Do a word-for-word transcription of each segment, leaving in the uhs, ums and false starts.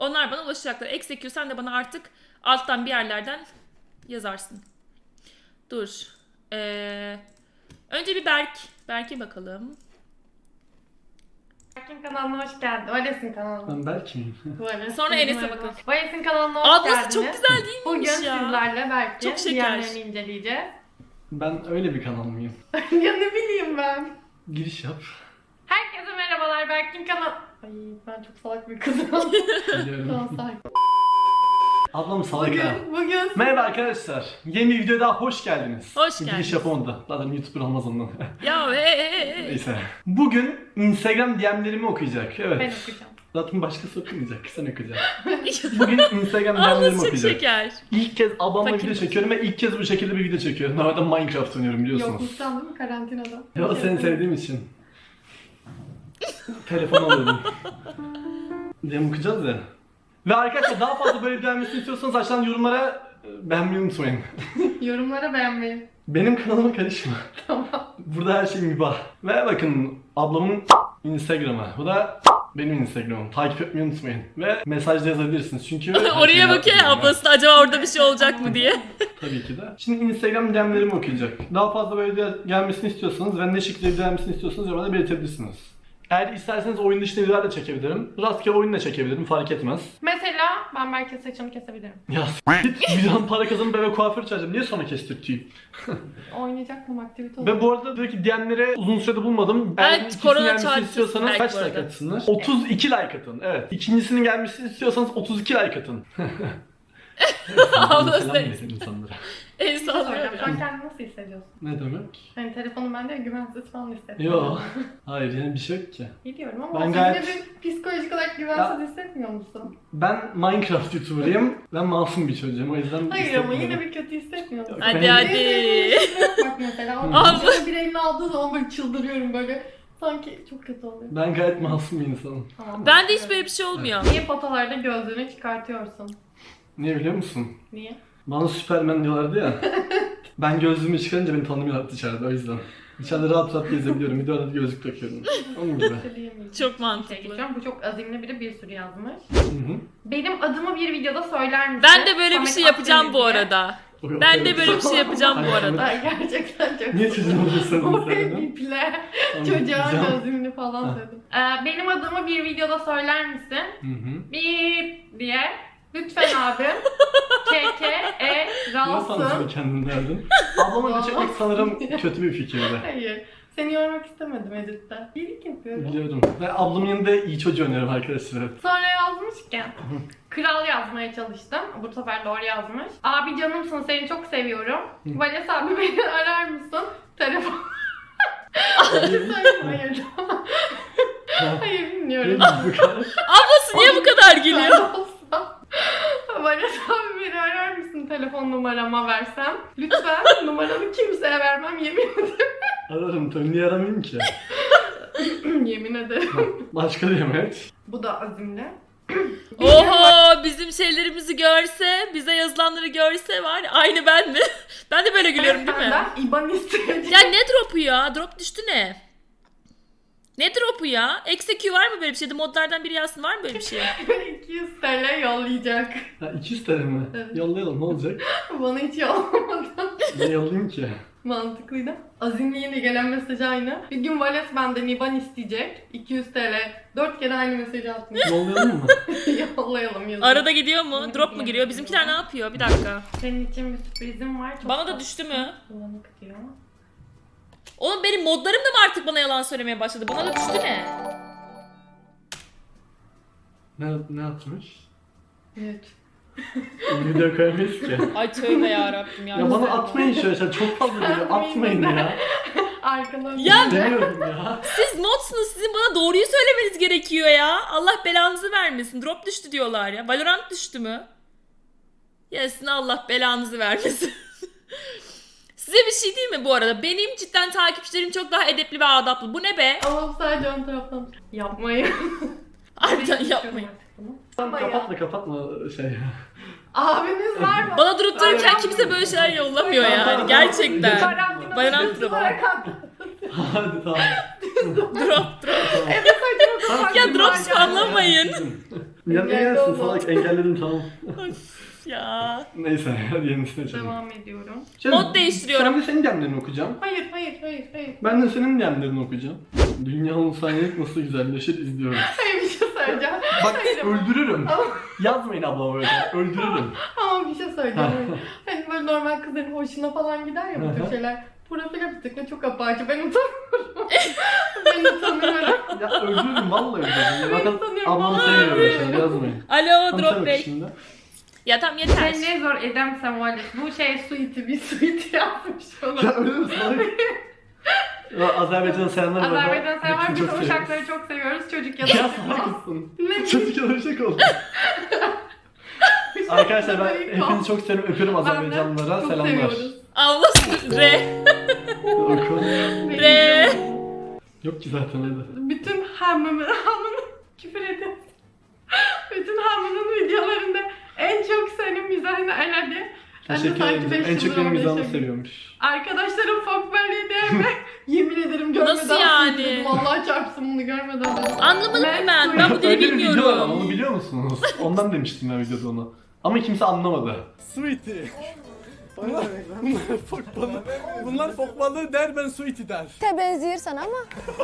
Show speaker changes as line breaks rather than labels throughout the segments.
Onlar bana ulaşacaklar. Execute sen de bana artık alttan bir yerlerden yazarsın. Dur. Ee, önce bir Berk. Berk'e bakalım.
Berk'in kanalına hoş geldin. Vales'in kanalına.
Ben belki miyim?
Vales.
Sonra Enes'e bakın.
Vales'in kanalına hoş
Ablası
geldiniz.
çok güzel değil
Bugün
miymiş ya?
sizlerle Berk'in
Çok şeker.
diğerlerini inceleyeceğiz.
Ben öyle bir kanal mıyım?
Ya ne bileyim ben.
Giriş yap.
Herkese merhabalar, Berk'in kanal... Ay ben çok salak bir kızım.
Biliyorum.
Tamam sakin.
Ablam salak ha.
Bugün, bugün...
Merhaba arkadaşlar. Yeni bir videoya daha hoş geldiniz.
Hoş
Giriş
geldiniz.
yapamadı da. Zaten YouTuber olmaz ondan.
Ya hey hey hey.
Neyse. Bugün Instagram D M'lerimi okuyacak. Evet.
Ben okuyacağım.
Zaten başkası okumayacak. Sen okuyacaksın. Bugün Instagram D M'lerimi
Ablası çok
okuyacak.
şeker.
İlk kez ablamla
Fakir.
video çekiyorum ve ilk kez bu şekilde bir video çekiyorum. Normalde Minecraft oynuyorum biliyorsunuz.
Yokluktan değil mi karantinada?
Ya seni sevdiğim için. Telefon alıyorum. Diye okuyacağız ya. Ve arkadaşlar daha fazla böyle gelmesini istiyorsanız aşağıdan yorumlara e, beğenmeyi unutmayın.
Yorumlara beğenmeyi.
Benim kanalıma karışma.
Tamam.
Burada her şey mübah. Ve bakın ablamın Instagram'ı. Bu da benim Instagram'ım. Takip etmeyi unutmayın. Ve mesajda yazabilirsiniz çünkü...
Oraya bakıyor ya ablası da acaba orada bir şey olacak mı diye.
Tabii ki de. Şimdi Instagram D M'lerimi okuyacak. Daha fazla böyle gelmesini istiyorsanız ve ne şekilde gelmesini istiyorsanız yorumlarda belirtebilirsiniz. Eğer isterseniz oyun dışında videolar da çekebilirim. Rastgele oyun da çekebilirim, fark etmez.
Mesela ben Berk'in saçını kesebilirim.
Ya s*** git videodan para kazanıp eve kuaför çağıracağım. Niye sonra kestirteyim?
Oynayacak mı aktivite olur?
Ve bu arada diyor ki D M'lere uzun sürede bulmadım.
Evet,
Eğer ikisinin
korona
gelmesini
çarptı
istiyorsanız
belki
kaç
bu
like
arada.
atsınlar? otuz iki like atın. Evet. İkincisinin gelmesini istiyorsanız otuz iki like atın.
Ablası
Selam verin insanlara.
El
Bir şey
sallıyor
soracağım.
ya.
Şu an kendini nasıl hissediyorsun?
Ne demek?
Hani telefonum bende güvensiz falan hissediyorum.
Yok. Hayır yani bir şey yok ki.
Biliyorum ama
Ben
sen
gayet-
yine bir psikolojik olarak güvensiz hissetmiyor musun?
Ben Minecraft YouTuber'ıyım. Ben masum bir çocuğum o yüzden
Hayır ama
hissetmiyorum.
yine bir kötü hissetmiyor musun?
Yok,
Hadi
ben-
hadi.
Bak mesela o
Abla.
çocuğu bir elini aldığı zaman böyle çıldırıyorum böyle. Sanki çok kötü oluyor.
Ben gayet masum bir insanım.
Tamam,
Bende hiç böyle bir şey olmuyor.
Niye fotolarda gözlüğünü çıkartıyorsun?
Niye biliyor musun?
Niye?
Bana Superman diyorlardı ya. Ben gözlüğümü çıkarınca beni tanımıyorlar dışarıda o yüzden. Dışarıda rahat rahat gezebiliyorum. Videoda da gözlük takıyorum. Onun gibi.
Söyleyemeyeceğim.
Çok
Bir şey
mantıklı.
geçiyorum. Bu çok azimli biri bir sürü yazmış.
Hı hı.
Benim adımı bir videoda söyler misin?
Ben de böyle bir
Samet
şey yapacağım bu
Akdeniz diye.
arada.
O kadar
Ben de
evet.
böyle bir şey yapacağım bu arada.
Ay, gerçekten çok
Niye çocuğun oluyorsun
O
sen?
biple.
Tamam,
Çocuğa
güzel.
gözlüğünü falan
Ha.
söyledim. Ee, benim adımı bir videoda söyler misin?
Hı hı.
Bip diye. Lütfen abim. K K E
Niye sana
Ralsın.
kendin derdin? Ablamı geçirmek sanırım kötü bir fikirdi.
Hayır. Seni yormak istemedim editte. İyilik yapıyorum.
Biliyorum. Ve ablamın yanında iyi çocuğu oynuyorum arkadaşlar.
Sonra yazmışken kral yazmaya çalıştım. Bu sefer doğru yazmış. Abi canımsın seni çok seviyorum. Vales abi beni arar mısın? Telefon. Hayır. Hayır. Hayır bilmiyorum.
Bu kadar.
Ablası niye bu kadar gülüyor?
Vales abi beni arar mısın telefon numarama versem? Lütfen numaramı kimseye vermem yemin ederim.
Ararım tabii. Niye aramayayım ki?
Yemin ederim.
Başka diyemeyiz.
Bu da azimli.
Oho bizim şeylerimizi görse, bize yazılanları görse var ya, aynı ben mi? Ben de böyle gülüyorum değil mi?
Senden İ B A N isteyeceğim.
Ya ne drop'u ya? Drop düştü ne? Ne drop'u ya? Execute var mı böyle bir şeyde? Modlardan biri yazsın var mı böyle bir şey?
iki yüz T L yollayacak.
Ha iki yüz T L mi?
Evet.
Yollayalım ne olacak?
Bana hiç yollamadı.
Ne yollayayım ki?
Mantıklıydı. Azimli yine gelen mesaj aynı. Bir gün Vales benden İ B A N isteyecek. iki yüz T L. dört kere aynı mesajı atmış.
Yollayalım mı?
Yollayalım yazın.
Arada gidiyor mu? Drop mu giriyor? Bizimkiler ne yapıyor? Bir dakika.
Senin için bir sürprizim var. Çok
Bana da
tatlı.
düştü mü?
Bulanık diyor.
Oğlum benim modlarım da mı artık bana yalan söylemeye başladı? Bana da düştü ne?
Ne, ne atmış?
Evet.
Video koyamayız ki.
Ay tövbe yarabbim ya.
Ya bana atmayın şöyle şeyler. Çok fazla geliyor. Atmayın ya.
Arkadan.
Ya-
Demiyorum ya.
Siz modsunuz. Sizin bana doğruyu söylemeniz gerekiyor ya. Allah belanızı vermesin. Drop düştü diyorlar ya. Valorant düştü mü? Ya sizin Allah belanızı vermesin. Size bir şey değil mi bu arada? Benim cidden takipçilerim çok daha edepli ve adaplı. Bu ne be?
Ama sadece ön taraftan. Yapmayın.
Harbiden yapmayın.
Ama
Kapatma
ya.
kapatma şey.
Abiniz var mı?
Bana durup dururken kimse böyle şeyler yollamıyor yani. Gerçekten.
Karantina
Valorant
süresi
drop.
olarak attı.
Hadi tamam.
Drop drop.
Evet saçma sapan
Ya
bir
drop
macera.
spamlamayın.
Ya ne
Engelli
gelsin
olma.
salak, engelledim tamam.
Ya.
Neyse hadi yenisine açalım.
Devam ediyorum.
Canım,
Mod değiştiriyorum.
Sen de senin gemlerini okuyacağım.
Hayır hayır hayır hayır.
Ben de senin gemlerini okuyacağım. Dünyanın saniyelik nasıl güzelleşir izliyoruz.
Hayır bir şey söyleyeceğim.
Bak
Hayır ama-
öldürürüm.
Ama,
Yazmayın ablama böyle. Öldürürüm.
ama bir şey söyleyeceğim. Hani böyle normal kızların hoşuna falan gider ya bu
Hı
tür
hı.
şeyler. Profile bir tıkla çok apaçı. Ben utanıyorum. ben utanıyorum.
Ya öldürürüm vallahi öldürürüm.
Ben
Bakın
sanıyorum,
ablamı
vallahi
seviyor böyle
öldürürüm.
şeyler yazmayın.
Alo
Tamam sen
Drop
oku
Bey.
şimdi.
Ya tamam yeter.
Sen ne zor edemsem var. Bu şey suiti bir suiti yapmış falan.
Ya öyle mi salak? Ya, Azerbaycan'a selamlar bu arada.
Azerbaycan sever
Hepsini
biz
çok seviyoruz.
uşakları çok seviyoruz. Çocuk
Ya
yalan.
salak mısın?
Ne
Çocuk yalanacak oldu. Arkadaşlar ben hepinizi çok seviyorum. Öpüyorum Azerbaycanlılara.
Çok
Selamlar.
seviyoruz.
Allah re.
Oku.
Re.
Yok ki zaten hadi.
Bütün hamımı, hamını küfür ediyorum. Bütün hamının videolarında en çok senin mizahını elendi. Ben de
Teşekkür
sanki
ederim.
beş
En çok
yıldır
benim
orada
mizahımı
yaşıyorum.
seviyormuş.
Arkadaşlarım fok böyle diye mi? Yemin ederim görmeden
Nasıl yani?
sildim. Vallahi çarpsın bunu görmeden. ben.
Anlamadım
Ben
ben. Ben bu dili
Öyle bir video var ama
bilmiyorum.
onu biliyor musunuz? Ondan demiştim ben videoda onu. Ama kimse anlamadı.
Sweetie. Bunlar, bunlar fok balığı. Bunlar fok balığı der, ben sweetie der.
Te benziyor sana ama.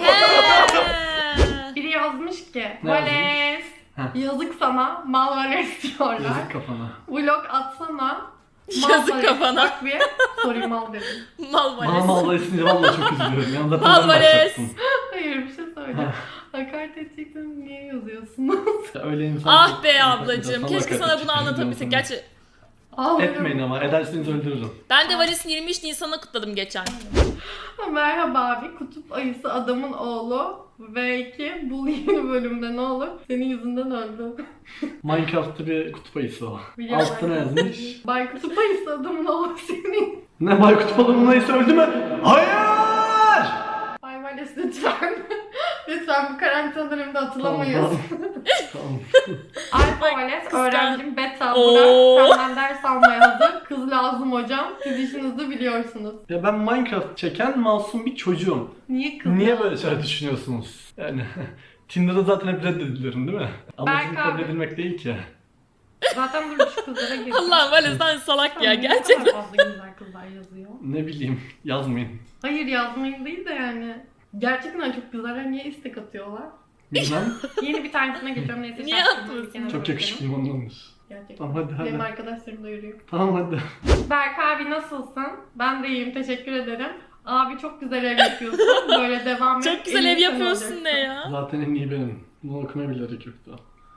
He.
Biri yazmış ki
Ne
Vales
Heh.
yazık sana mal Vales diyorlar.
Yazık kafana.
Vlog atsana.
Yazık
Vales.
kafana.
Bak bir sorry mal dedim.
Mal
Bana
Vales.
vallahi isince vallahi çok üzülüyorum. Yani zaten
Mal
ben
Vales.
başlattım.
Hayır bir şey söyleyeceğim. Hakaret edecektim niye yazıyorsunuz?
Ya öyle insan
Ah be
Sana
ablacığım. Keşke sana bunu anlatabilsek. Gerçi
Ağlarım.
Etmeyin ama ederseniz öldürürüm.
ben de Valis'in yirmi üç Nisan'ı kutladım geçen.
Merhaba abi, kutup ayısı adamın oğlu ve iki bu yeni bölümde ne olur? Senin yüzünden öldü.
Minecraft'ta bir kutup ayısı o.
Biliyorum.
Altta ne yazmış?
Bay kutup ayısı adamın oğlu senin.
Ne bay kutup balığının ayısı öldü mü? Hayır!
Bay Vales lütfen. lütfen bu karantina döneminde atılamayız.
Tamam, tamam.
Alfa Vales
kıskan-
öğrencim beta
Oo.
Burak senden ders almaya hazır. Kız lazım hocam. Siz işinizi biliyorsunuz.
Ya ben Minecraft çeken masum bir çocuğum.
Niye kız
Niye
lazım?
böyle şeyler düşünüyorsunuz? Yani Tinder'da zaten hep reddediliyorum değil mi? Amacım
Berk
kabul
abi.
edilmek değil ki.
Zaten dur şu kızlara gir.
Allah Vales sen salak ya
Ne kadar
gerçekten.
fazla güzel kızlar yazıyor.
Ne bileyim yazmayın.
Hayır yazmayın değil de yani. Gerçekten çok güzeller niye istek atıyorlar?
Bilmem.
Yeni bir tanesine geçiyorum neyse.
Niye
şarkımı
atıyorsun?
bir kenara
Çok
bırakalım.
yakışıklıyım ondandır.
Gerçekten.
Tamam hadi hadi.
Benim arkadaşlarım da yürüyor.
Tamam hadi.
Berk abi nasılsın? Ben de iyiyim teşekkür ederim. Abi çok güzel ev yapıyorsun. Böyle devam et.
Çok güzel
en
ev
iyi sen
yapıyorsun
olacaksın.
ne ya?
Zaten en iyi benim. Bunu okumaya bile gerek yoktu.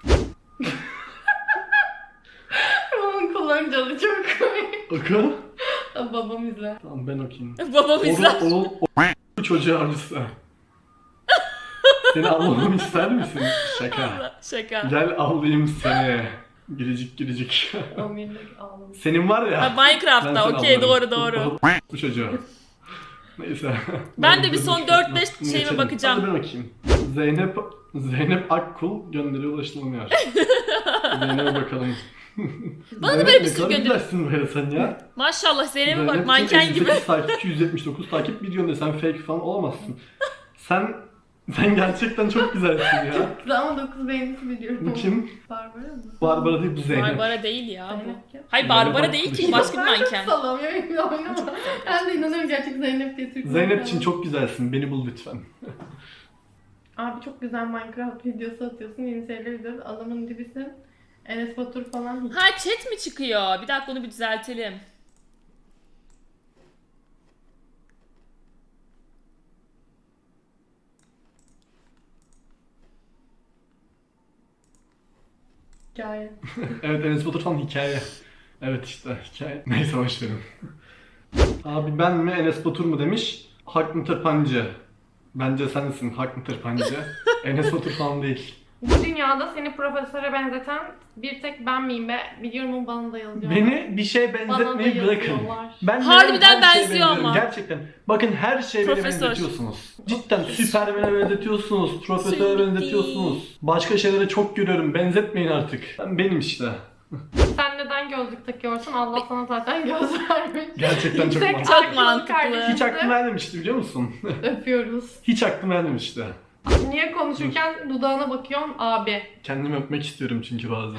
Babamın kullanıcılı çok komik.
Oku.
Babam izler.
Tamam ben okuyayım.
Babam izler.
Oğul, oğul, o çocuğu avcısı. Seni avlamamı ister misin? Şaka.
Şaka.
Gel avlayayım seni. Giricik giricik.
Amirlik ağlamış.
Senin var ya.
Ha,
ben
Minecraft'ta
seni
okey
avlarım.
doğru doğru.
Bu çocuğu. Neyse.
Ben de bir son
Bunu
dört beş
geçelim.
şeyime bakacağım.
Hadi ben okuyayım. Zeynep Zeynep Akkul gönderiyor ulaşılamıyor. Zeynep'e bakalım.
Bana da
Zeynep,
böyle bir
ne
sürü
kadar
gönder-
güzelsin böyle sen ya.
Maşallah Zeynep'e bak
Zeynep
manken
elli
gibi.
sekiz takipçi, yüz yetmiş dokuz takip videonda sen fake falan olamazsın. Sen sen gerçekten çok güzelsin ya.
Güzel ama dokuz beğenisi biliyorum.
Bu kim?
Barbara mı?
Barbara değil bu Zeynep.
Barbara değil ya bu.
Zeynep kim?
Hayır
Zeynep
Barbara
Akkul
değil
işte.
ki başka bir
Ben çok
manken.
salam ya benim oynama. Ben de inanıyorum gerçek Zeynep diye Türk
Zeynep için
manken.
çok güzelsin. Beni bul lütfen.
Abi çok güzel Minecraft videosu atıyorsun. Yeni şeyler izliyoruz. Adamın dibisin. Enes Batur falan.
Ha chat mi çıkıyor? Bir dakika onu bir düzeltelim.
Hikaye.
Evet Enes Batur falan hikaye. Evet işte hikaye. Neyse başlayalım. Abi ben mi Enes Batur mu demiş. Hak mı tırpancı? Bence sensin hak mı tırpancı? Enes Batur falan değil.
Bu dünyada seni profesöre benzeten bir tek ben miyim be? Biliyorum bana da yazıyor.
Beni bir şeye
Bana da
benzetmeyi bırakın.
yazıyorlar.
Ben
Harbiden
her şeye
benziyor
benziyorum.
ama.
Gerçekten. Bakın her şeye beni
Profesör.
benzetiyorsunuz. Cidden Süpermen'e benzetiyorsunuz. Profesöre
Sweetie.
benzetiyorsunuz. Başka şeylere çok görüyorum. Benzetmeyin artık. Ben benim işte.
Sen neden gözlük takıyorsun? Allah sana zaten göz vermiş.
Gerçekten çok
Yüksek
mantıklı.
Çok
I Q'lu
mantıklı.
kardeşimizi
Hiç aklıma gelmemişti biliyor musun?
öpüyoruz.
Hiç aklıma gelmemişti.
Niye konuşurken dudağına bakıyorsun abi?
Kendimi öpmek istiyorum çünkü bazen.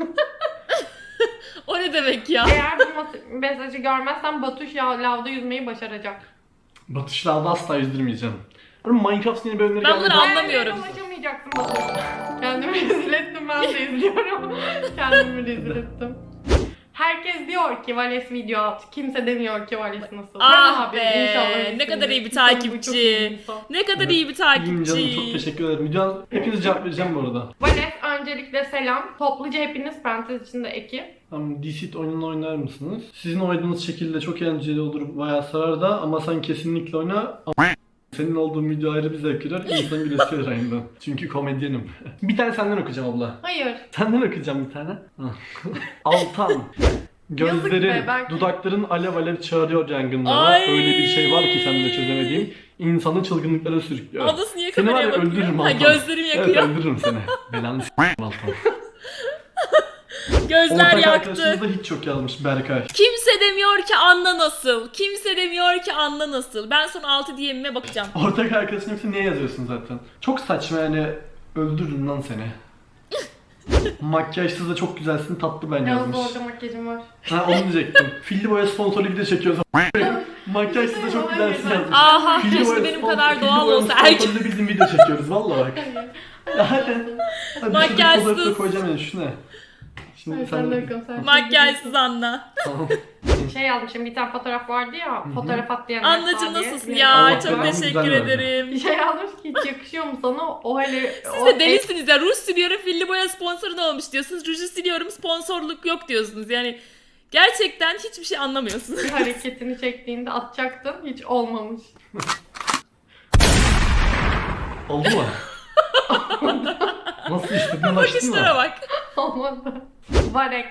O ne demek ya?
Eğer bu mas- mesajı görmezsen Batuş ya lavda yüzmeyi başaracak.
Batışlarda asla yüzdürmeyeceğim. Hani Minecraft yeni bölümleri
Ben
geldi.
bunları anlamıyorum.
Hayır, ulaşamayacaksın Batuş. Kendimi rezil ettim, ben de izliyorum. Kendimi rezil ettim. Herkes diyor ki Vales video at. Kimse demiyor ki Vales nasıl.
Ah
Ben abi,
be,
inşallah
ne
iyisindir.
kadar iyi bir
İnsan bu
takipçi.
çok iyi bir insan.
Ne kadar
Evet.
iyi bir
İyiyim canım, çok
takipçi.
teşekkür ederim. Videonun hepinize cevap vereceğim bu arada.
Vales öncelikle selam. Topluca hepiniz parantez içinde ekip.
Tamam, Deceit oyununu oynar mısınız? Sizin oynadığınız şekilde çok eğlenceli olur, bayağı sarar da ama sen kesinlikle oyna. Ama senin olduğun video ayrı bir zevk verir, insanın gülesi gelir aynı. Çünkü komedyenim. Bir tane senden okuyacağım abla.
Hayır.
Senden okuyacağım bir tane. Altan.
Yazık
Gözlerin,
be, ben-
dudakların alev alev çağırıyor yangınlara.
Ay.
Öyle bir şey var ki sende çözemediğim. İnsanı çılgınlıklara sürüklüyor.
Ablası niye
Seni var
kameraya
ya
bakıyor?
öldürürüm
Ha,
Altan.
gözlerim
Evet,
yakıyor.
öldürürüm seni. Belanı s***im Altan.
Gözler
Ortak
yaktı.
arkadaşımız da hiç çok yazmış Berkay.
Kimse demiyor ki Anna nasıl? Kimse demiyor ki Anna nasıl? Ben son altı D M'ime bakacağım.
Ortak arkadaşın yoksa niye yazıyorsun zaten? Çok saçma yani, öldürürüm lan seni. Makyajsız da çok güzelsin, tatlı ben
Yalnız
yazmış.
orada makyajım var.
Ha, onu diyecektim. Filli boya sponsorlu video çekiyoruz. Makyajsız da çok güzelsin yazmış.
Aha,
Filli
keşke
boya
benim
sponsor-
kadar
filli
doğal
boya
olsa.
sponsorlu
Erkek
bizim video çekiyoruz valla bak. Hadi. Hadi
Makyajsız.
fotoğrafı da koyacağım yani, şu ne? Şimdi
Hayır,
sen
sen de
de...
bakalım, sen
makyajsız Anna.
Tamam.
Şey yazmışım, bir tane fotoğraf vardı ya, fotoğraf at diyen
Annacığım
Esra diye.
nasılsın
Bir-
ya?
Allah
Çok
belanı
teşekkür
güzel verdi.
Bir
ederim.
şey yazmış ki hiç yakışıyor mu sana? O hele...
Siz de delisiniz ya. Ruj siliyorum, filli boya sponsoru da olmuş diyorsunuz. Ruju siliyorum, sponsorluk yok diyorsunuz. Yani gerçekten hiçbir şey anlamıyorsunuz.
Bir hareketini çektiğinde atacaktın, hiç olmamış.
Oldu mu? Nasıl işte? Ulaştın
Bakışlara
mı?
bak.
Olmadı. Varex.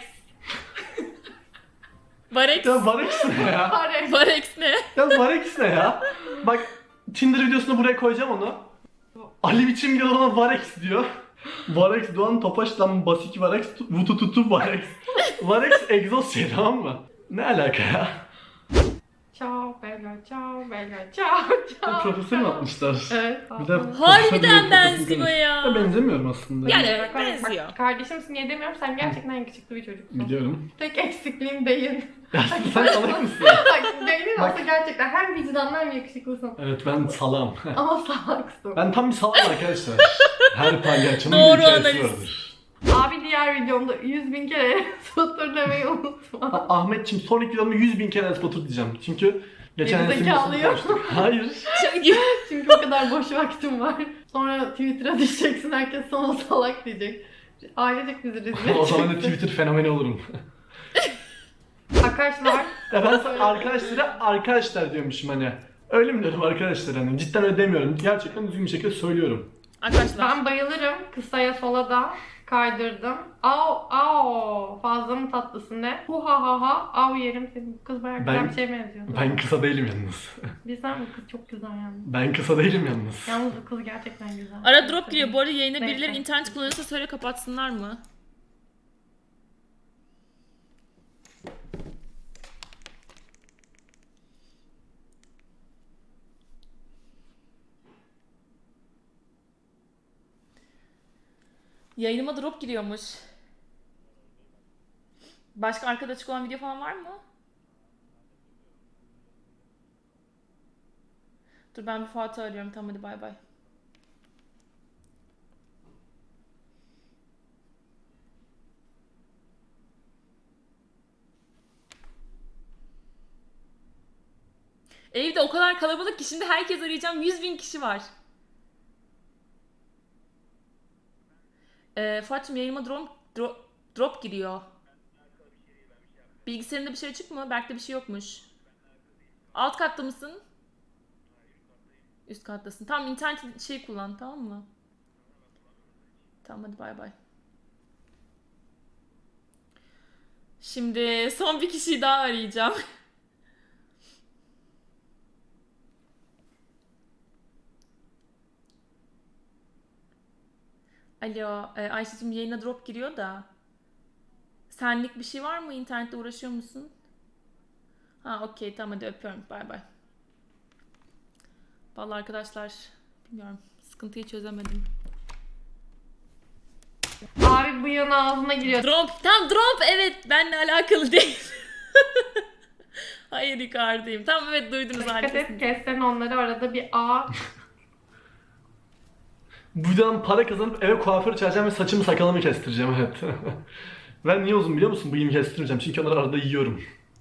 Varex.
Ya Varex ne ya?
Varex.
Varex ne?
Ya Varex ne ya? Bak Tinder videosunu buraya koyacağım onu. Ali biçim gel ona Varex diyor. Varex Doğan Topaş lan basik Varex vutu tutu Varex. Varex egzoz şey, tamam mı? Ne alaka ya?
Ciao bella, ciao bella, ciao ciao.
Profesör mü atmışlar?
Evet.
Bir de
Harbiden benziyor ya.
Ya benzemiyorum aslında.
Yani
Bak, bak,
benziyor.
Bak, kardeşimsin diye demiyorum, sen gerçekten yakışıklı bir çocuksun.
Biliyorum.
Tek eksikliğin beyin.
Ya sen salak mısın?
Bak beynin
Bak.
olsa gerçekten hem vicdanlı hem yakışıklısın.
Evet ben salam.
Ama salaksın.
Ben tam bir salam arkadaşlar. Her palyaçonun
Doğru
bir hikayesi
analiz.
vardır.
Abi diğer videomda yüz bin kere satır demeyi unutma.
Ha, Ahmetçim sonraki videomda yüz bin kere Enes Batur diyeceğim. Çünkü geçen
Geri
Enes'in
zekalı
videosunu
ya.
konuştuk. Hayır.
Çünkü
Çünkü o kadar boş vaktim var. Sonra Twitter'a düşeceksin, herkes sana salak diyecek. Ailecek bizi rezil
O zaman da
edeceksin.
Twitter fenomeni olurum.
Arkadaşlar,
Ya ben sana arkadaşlara arkadaşlar diyormuşum hani. Öyle mi diyorum arkadaşlar hani? Cidden öyle demiyorum. Gerçekten düzgün bir şekilde söylüyorum.
arkadaşlar
ben bayılırım. Kısaya sola da kaydırdım. Au au fazla mı tatlısın ne? Hu ha ha ha av yerim seni. Bu kız bayağı güzel
Ben-
bir şey benziyor.
Ben kısa değilim yalnız.
Bizden bu kız çok güzel yalnız.
Ben kısa değilim yalnız.
Yalnız bu kız gerçekten güzel.
ara drop giriyor. Bu arada yayına
Neyse.
birileri internet kullanıyorsa söyle kapatsınlar mı? Yayınıma drop giriyormuş. Başka arkada açık olan video falan var mı? Dur ben bir Fuat'ı arıyorum. Tamam hadi bay bay. Evde o kadar kalabalık ki şimdi herkes arayacağım. yüz bin kişi var. Ee, Fuat'cığım yayınıma drop, drop, drop giriyor. Bilgisayarında bir şey açık mı? Belki de bir şey yokmuş. Alt katta mısın? Üst kattasın. Tamam internet şey kullan tamam mı? Tamam hadi bay bay. Şimdi son bir kişiyi daha arayacağım. Alo, e, Ayşe'cim yayına drop giriyor da. Senlik bir şey var mı? İnternette uğraşıyor musun? Ha okey tamam hadi öpüyorum. Bay bay. Vallahi arkadaşlar bilmiyorum sıkıntı. sıkıntıyı çözemedim.
Abi bıyığın ağzına giriyor.
Drop. Tam drop evet. Benle alakalı değil. Hayır Icardi'yim. Tamam evet duydunuz
Dikkat et
harikasınız.
kessen onları arada bir A.
Buradan para kazanıp eve kuaför çağıracağım ve saçımı sakalımı kestireceğim evet. Ben niye uzun biliyor musun? Bıyığımı kestirmeyeceğim çünkü onları arada yiyorum.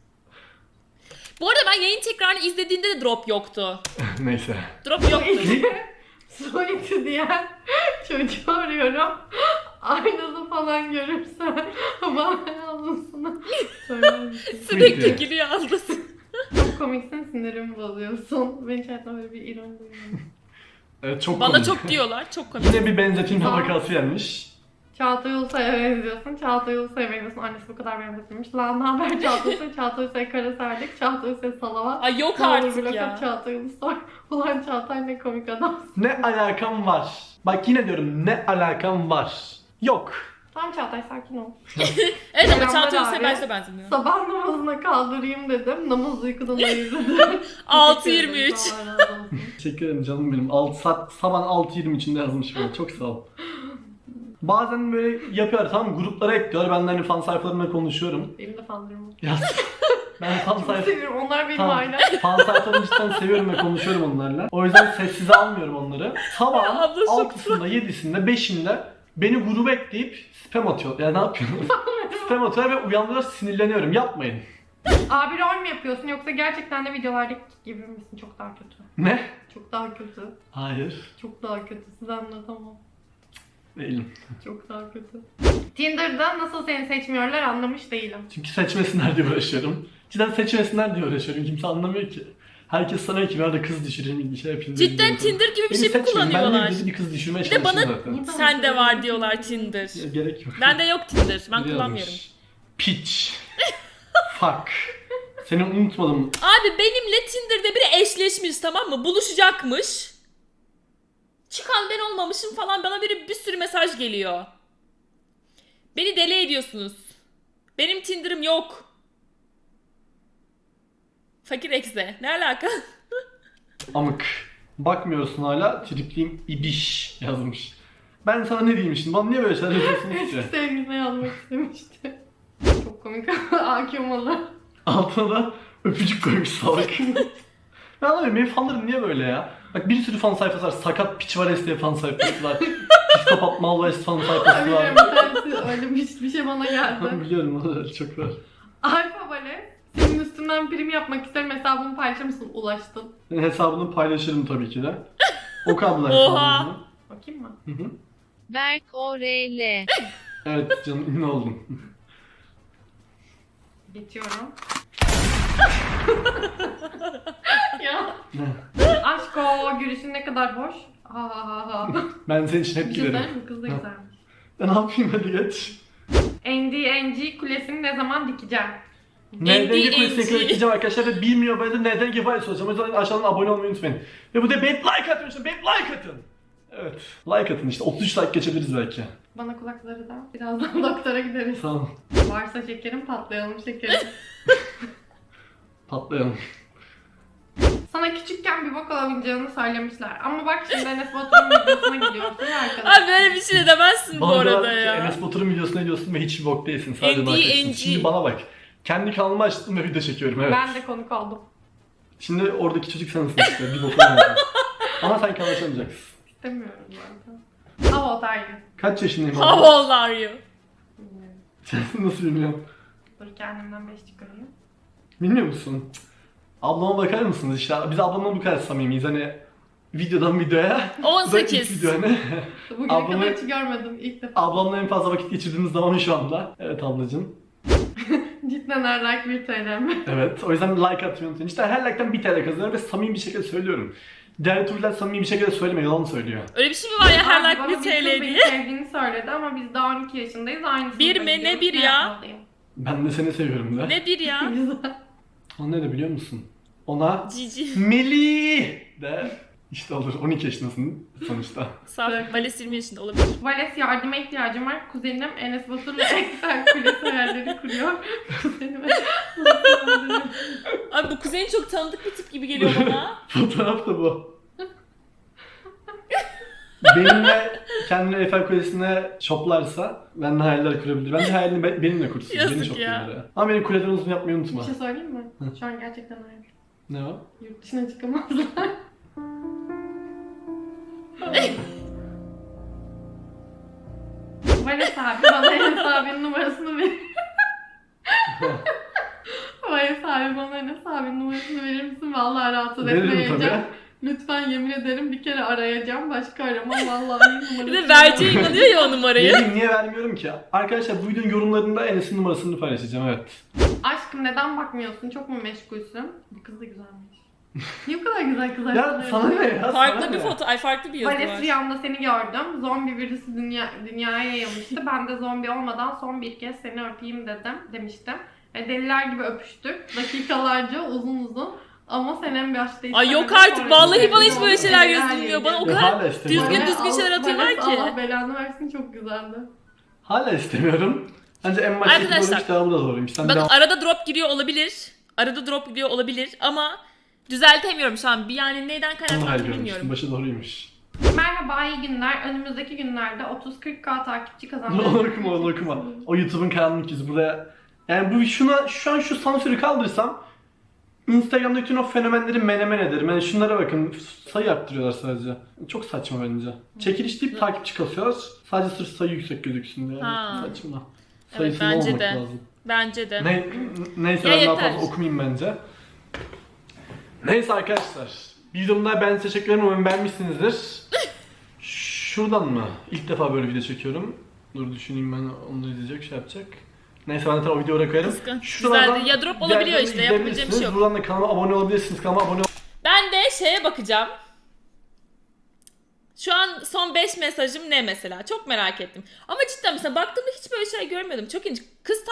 Bu arada ben yayın tekrarını izlediğimde de drop yoktu.
Neyse.
Drop yoktu.
Su içi diyen çocuğu arıyorum. Aynada falan görürsen bana yazmasını söyler misin?
Sürekli
Peki.
gülüyor ablası.
Çok komiksin, sinirimi bozuyorsun. Ben hiç hayatımda böyle bir ironi duymadım.
Evet çok
Bana
komik.
çok diyorlar. Çok komik.
Yine bir benzetilme
Aa.
vakası gelmiş.
Çağatay Ulusoy'a benziyorsun. Çağatay Ulusoy'a benziyorsun. Annesi bu kadar benzetilmiş. Lan ne haber Çağatay Ulusoy? Çağatay Ulusoy kara serdik. Çağatay Ulusoy salavat.
Ay yok
Ne olur
artık
blok
ya.
at Çağatay Ulusoy. Ulan Çağatay ne komik adam.
Ne alakam var? Bak yine diyorum ne alakam var? Yok.
Tamam Çağatay sakin ol.
Evet ama
Selamlar
Çağatay
abi.
Ulusoy'a ben size benzemiyor.
Sabah namazına kaldırayım dedim. Namaz uykudan ayırdı.
altı yirmi üç.
Allah razı olsun.
Teşekkür ederim canım benim. altı saat sabah altı yirmi içinde yazmış böyle. Çok sağ ol. Bazen böyle yapıyor tamam gruplara ekliyor. Ben de hani fan sayfalarımla konuşuyorum.
Benim de fanlarım var.
Ya ben fan
Çok
sayfa
seviyorum. Onlar benim
Tamam.
ailem.
fan sayfalarını cidden seviyorum ve konuşuyorum onlarla. O yüzden sessize almıyorum onları. Sabahın
Abla çok
altısında, yedisinde, beşinde beni gruba ekleyip spam atıyor. Ya ne yapıyorsun? Spam atıyor ve uyandırıyor sinirleniyorum. Yapmayın.
Abi rol mü yapıyorsun yoksa gerçekten de videolardaki gibi misin? Çok daha kötü.
Ne?
Çok daha kötü.
Hayır.
Çok daha kötü. Size anlatamam.
Değilim.
Çok daha kötü. Tinder'da nasıl seni seçmiyorlar anlamış değilim.
Çünkü seçmesinler diye uğraşıyorum. Cidden seçmesinler diye uğraşıyorum. Kimse anlamıyor ki. Herkes sanıyor ki ben de kız düşüreyim, bir şey yapayım. diye
Cidden
gidiyorum.
Tinder gibi bir
Beni
şey mi
seçmeyin.
kullanıyorlar?
Ben de bir kız düşürmeye
Bir de
çalışıyorum
bana-
zaten.
Niye
Sende
bana
var
söylüyorsun?
diyorlar Tinder.
Ya, gerek yok.
Bende yok Tinder. Ben
Biri
kullanmıyorum.
yazmış. Piç. Fuck. Seni unutmadım.
Abi benimle Tinder'da biri eşleşmiş tamam mı? Buluşacakmış. Çıkan ben olmamışım falan bana biri bir sürü mesaj geliyor. Beni deli ediyorsunuz. Benim Tinder'ım yok. Fakir ekse. Ne alaka?
Amık. Bakmıyorsun hala. Tripliyim ibiş yazmış. Ben sana ne diyeyim şimdi? Bana niye böyle şeyler yazıyorsunuz ki?
Sevgiline yazmak istemişti. Çok komik. A Q malı.
Altına da öpücük koymuş salak. Ben anlamıyorum benim fanlarım niye böyle ya? Bak bir sürü fan sayfası var. Sakat piç var diye fan sayfası var. Psikopat Malwest fan sayfası var.
Biliyorum bir tanesi öyle bir, bir şey bana geldi.
Biliyorum onlar çok var.
Alfa Bale, senin üstünden prim yapmak isterim hesabımı paylaşır mısın? Ulaştın.
Ben hesabını paylaşırım tabii ki de. O kablo
Oha.
hesabını.
Bakayım mı?
Hı hı.
Berk O R L.
Evet canım ünlü oldum.
Geçiyorum. ya.
Ne?
Aşk o gülüşün ne kadar hoş. Ha ha ha ha.
Ben senin için hep
Güzel
giderim.
mi? Kız da güzelmiş.
E ne yapayım hadi geç.
N D N G kulesini ne zaman dikeceğim?
Neden
N D N G.
kulesine ekleyeceğim arkadaşlar ve bilmiyor böyle de neden gibi soracağım. O yüzden aşağıdan abone olmayı unutmayın. Ve bu da beğenip like atın işte beğenip like atın. Evet. Like atın işte otuz üç like geçebiliriz belki.
Bana kulakları da. Birazdan doktora gideriz.
Tamam.
Varsa şekerim patlayalım şekerim.
Patlayalım.
Sana küçükken bir bok alamayacağını söylemişler. Ama bak şimdi Enes Batur'un videosuna gidiyorsun ya arkadaş.
Abi böyle bir şey de demezsin bu
Bana
arada
diyorlar ki,
ya.
Enes Batur'un videosuna gidiyorsun ve hiçbir bok değilsin. Sadece
N D
like atıyorsun.
N G.
Şimdi bana bak. Kendi kanalımı açtım ve video çekiyorum evet.
Ben de konuk oldum.
Şimdi oradaki çocuk sensin işte. Bir bok olmayacak. Ama sen kanal açamayacaksın.
İstemiyorum zaten. How old are you?
Kaç yaşındayım
How
abi?
old are you?
Bilmiyorum.
Sen nasıl bilmiyorum.
Dur kendimden beş çıkarayım.
Bilmiyor musun? Cık. Ablama bakar mısınız işte? Biz ablamla bu kadar samimiyiz hani videodan videoya.
on
Bu da ilk
sekiz.
video hani.
Bugüne
Ablamı-
kadar hiç görmedim ilk defa.
Ablamla en fazla vakit geçirdiğimiz zaman şu anda. Evet ablacığım.
Cidden her like bir T L mi?
Evet o yüzden like atmayı unutmayın. İşte her like'tan bir T L kazanıyorum ve samimi bir şekilde söylüyorum. Diğer turlar samimi bir şekilde söylemiyor, yalan söylüyor.
Öyle bir şey mi var ya her
Abi
like
bana
bir
kız
T L
beni
diye?
sevdiğini söyledi ama biz daha on iki yaşındayız aynı
Bir
sınıfa
mi? Ne
gidiyoruz.
bir ya?
yapmalıyım?
Ben de seni seviyorum da.
Ne bir ya?
Güzel.
O ne de biliyor musun? Ona
Cici.
Melih de işte olur on iki yaşındasın sonuçta.
Saf. Vales yirmi yaşında olabilir.
Vales yardıma ihtiyacım var. Kuzenim Enes Batur'la Excel kulesi hayalleri kuruyor. Kuzenime
Abi bu kuzenin çok tanıdık bir tip gibi geliyor bana.
Fotoğraf da bu. benimle kendini Eiffel Kulesi'ne şoplarsa ben de hayaller kurabilir. Ben de hayalini be- benimle kursun.
Yazık
Beni
ya.
şoplayabilir. Ama benim kuleden uzun yapmayı unutma.
Bir şey söyleyeyim mi? Şu an gerçekten öyle.
Ne o?
Yurt dışına çıkamazlar. Vales abi bana Enes abinin numarasını ver. Vales abi bana Enes abinin numarasını verir misin? Vallahi rahatsız
Veririm
etmeyeceğim.
tabii.
Lütfen yemin ederim bir kere arayacağım. Başka aramam vallahi numarasını.
Bir de vereceğe inanıyor ya o numarayı.
Vereyim, niye vermiyorum ki? Arkadaşlar bu videonun yorumlarında Enes'in numarasını paylaşacağım, evet.
Aşkım neden bakmıyorsun? Çok mu meşgulsün? Bu kız da güzelmiş. Niye bu kadar güzel kızlar?
Ya sana ne ya? sana
Farklı
ne?
bir foto, ay farklı bir yazı
Vales
var.
rüyamda seni gördüm. Zombi virüsü dünya, dünyaya yayılmıştı. Ben de zombi olmadan son bir kez seni öpeyim dedim demiştim. Ve deliler gibi öpüştük. Dakikalarca uzun uzun. Ama sen en başta
Ay yok artık, vallahi bana hiç böyle şeyler yazılmıyor. Bana o
Ya
kadar
hala istemiyorum.
düzgün düzgün şeyler atıyorlar
Vales,
ki.
Allah belanı versin, çok güzeldi.
Hala istemiyorum. Bence en baştaki
Arkadaşlar,
doğruymuş, devamı da doğruymuş. Sen
Bakın
devam...
arada drop giriyor olabilir. Arada drop giriyor olabilir ama düzeltemiyorum şu an. Bir yani neyden
Hayır
kaynaklandığını
görmüştüm.
bilmiyorum.
Başı doğruymuş.
Merhaba, iyi günler. Önümüzdeki günlerde otuz kırk bin takipçi kazanmayı...
Onu okuma, onu okuma. O YouTube'un karanlık yüzü buraya. Yani bu şuna, şu an şu sansürü kaldırsam Instagram'daki bütün o fenomenleri menemen ederim. Yani şunlara bakın, sayı arttırıyorlar sadece. Çok saçma bence. Çekiliş deyip takipçi kasıyorlar. Sadece sırf sayı yüksek gözüksün diye. Yani
Ha.
saçma.
Evet,
Sayısız
bence
olmak
de.
lazım.
Bence de.
Ne, neyse
Ya
ben daha
yeter.
fazla okumayayım bence. Neyse arkadaşlar. Videomda ben size teşekkür ederim. Umarım beğenmişsinizdir. Şuradan mı? İlk defa böyle video çekiyorum. Dur düşüneyim, ben onu izleyecek, şey yapacak. Neyse ben de o videoya koyarım.
Kıskanç.
Şuralardan
Güzeldi. Ya drop olabiliyor
diğerlerini
işte, yapabileceğim bir şey
izleyebilirsiniz.
yok.
Buradan da kanalıma abone olabilirsiniz. Kanalıma abone
Ben de şeye bakacağım. Şu an son beş mesajım ne mesela? Çok merak ettim. Ama cidden mesela baktığımda hiç böyle şey görmedim. Çok ilginç. Kız